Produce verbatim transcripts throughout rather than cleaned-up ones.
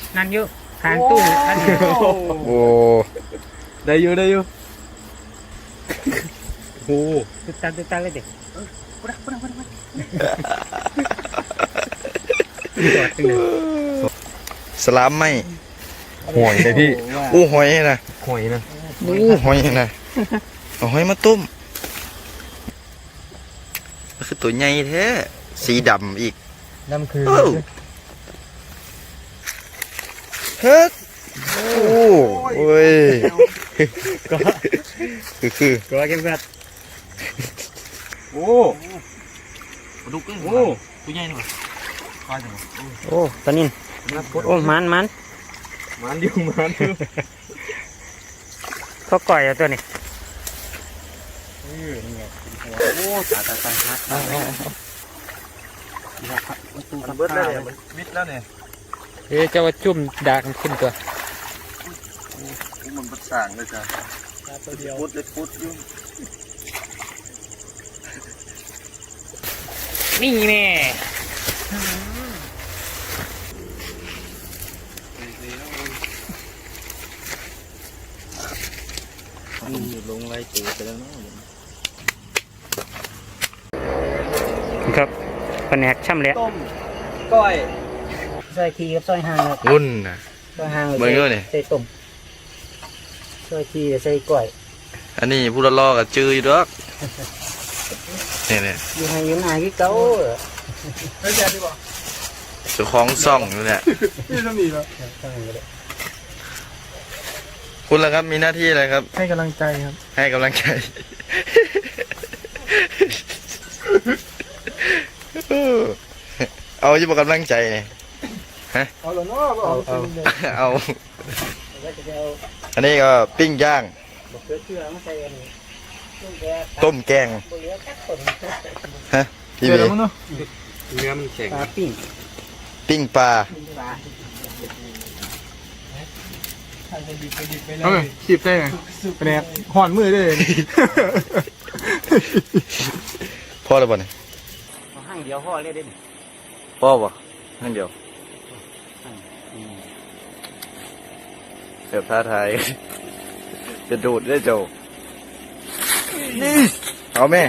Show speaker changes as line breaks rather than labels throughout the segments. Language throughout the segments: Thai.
นั่นอยู่ทางตู้นั่นอยู่
โอ้ได้อยู่ได้อยู่โอ้
ตึกตักตึกตักเลยเด็กจอดตึงเลย
สลามไหมหอยเลยพี่อู้หอยนะ
หอยนะ
อู้หอยนะเอาหอยมาต้มมันคือตัวใหญ่แท้สีดำอีก
นั่นคือ
เอ้าเฮ็ดโอ้โอ้ย
ก็
คือคือ
ก็เก็บกัด
โอ้ปลาดุกโอ้ตัวใหญ่หน่อยปลาจัง
โอ้ตอนนี้โอ้มันมัน
มันเดียวมันเดียว
เขาก่อยเอาตัวนี้
โอ้ตายตายตายมันเบิดแล้วเนี่ยมันมิดแล้วเนี่ย
เดี๋ยวจะว่าจุ่มดากขึ้นตัว
มันมันสั่งเลยจ้ะพุดเลยพุดยุ่ง
นี่แม่
ลงไรตูไปแล้วเนาะ
ครับแผนกช่ำแล้ว
ต้มก้อย
ซอยทีกับซอยห่างครับ
งุ่นนะ
ซอยห่าง
เบิ่งด้วยนี่
ใส่ต้มซอยทีใส่ก้อย
อันนี้ผู้ละลอกับจืออยู่ดอกเนี่ยเนี่ย
อยู่ให้อยู่หน้าที่เก่า
ไม่แย่ดีกว่า
เจ้าของซ่องอยู่เนี่ย
นี่ต้องมีแล้ว
คุณล่ะครับมีหน้าที่อะไรครับ
ให้กำลังใจครับ
ให้กำลังใจ เอาอยู่บอกกำลังใจเนี่ย
เอาละเนาะเอาเอา
เอา
แล้วจะเอา
อันนี้ก็ปิ้งย่าง
บกเกลือเชื่อมาใส่อันนี้ต้มแกง
ต้มแกง
บเหลือกัดต้น
ฮะพี่
เจอ
เว
แล้วมั้งเนาะ
เนื้อมันแข็งปลาปิ้ง
ปิ้งปลา
ปลา
เออขีบได้ไงเป็นไงห่อนมือได้เลย
พ่อแล้วป่ะเนี่ย
เอาห้างเดียวห่อเลยได้ไหม
พ่อป่ะนั่นเดียวเดี๋ยวท้าทาย จะดูดได้โจนี่เอาแม่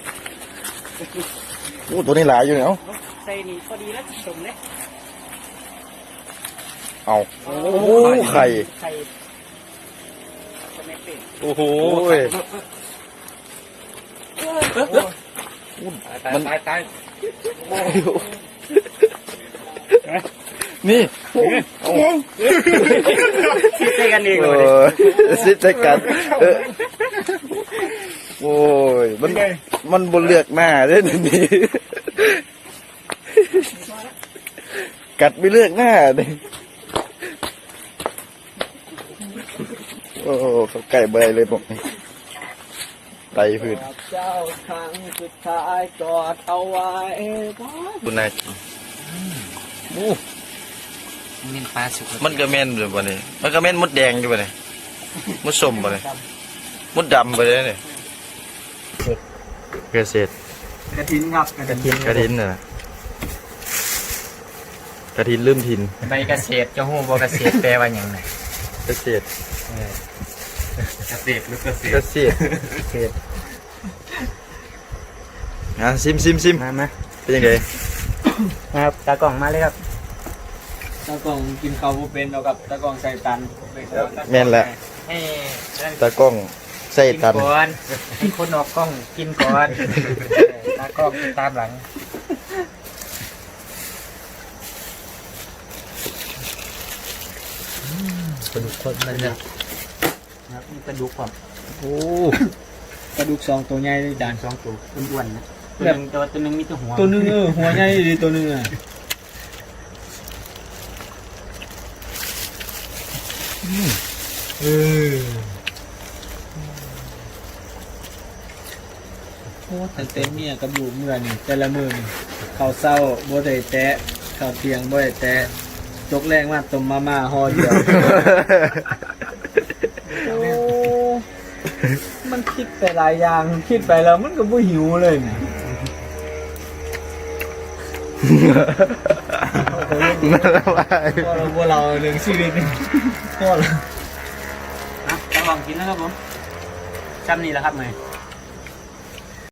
โอ้ตัวนี้หลายอยู่เนี่ยเอา
ใส่นี่พอดีแล้วสมเลย
เอาโอ้ไข่
ไข่ทำไมเป็น
โอ้โหมัน
ตายตาย
นี่
คิดใจกันเอง
เอ
เลย
อซิดใจกันเออโอ้ยมันมันบนเลือกหน้าเด้นี่กัดไม่เลือกหน้าเลยโอ้เขาไก่เบยเลยบอกไตพื้น
เจ้าครั้งสุดท้ายกอดเอาไว้
คุณนายกินโอ้
นี่ปลาสุก
มันก็แม่นเลยบ่นี่มันก็แม่นมดแดงอยู่บ่นี่มดส้มบ่นี่มดดำไปเลยนี่เกษตร
กระถินครับกระถิน
กระถินน่ะกระถินลืมถิ่น
ใบเกษตรจะหู้บ่เกษตรแปลว่าอย่างไร
เกษตร
เกษตรหรือเกษ
เก
ตร
ษตรเกษตรอ่ะซิมซิมซิม
มามา
เป็นยังไง
ครับตากล่องมาเลยครับ
ตะกองกินข้าวเป็นเรากับตะกองใส่ตัน
แม่นแหละ
ให้
ตากล้องใส่
กิน
ตัน
ก่อนให้คนออกกล้องกินก่อนตากล้องตามหลัง
กระดูกคนนั่นเนี่ย
ครับมีกระดูกความ
โอ้กระดูกสองตัวใหญ่เลยจานสองตัว
อ้วนๆนะตัวหนึงตัวตัวหนึงมีตัวหัว
ตัวนึงเออหัวใหญ่ดีตัวนึงอ่ะเออโอ้แต่เต็มเนี่ยกระดูกเมื่อนี่แต่ละมือนี่ข้าวเศร้าบ่ได้แตะข้าวเที่ยงบ่ได้แตะจกแรงมากต้มมาม่าห่อเดียวโอ้มันคิดไปหลายอย่างคิดไปแล้วมันก็บ่หิวเลยเนี่ย
ก
นั่นแหละว่า
พอเราพวกเราเรื่องชีวิตนี่พอเรา
นะจะลองกินนะครับผมซ้ำนี่แหละครับเมย์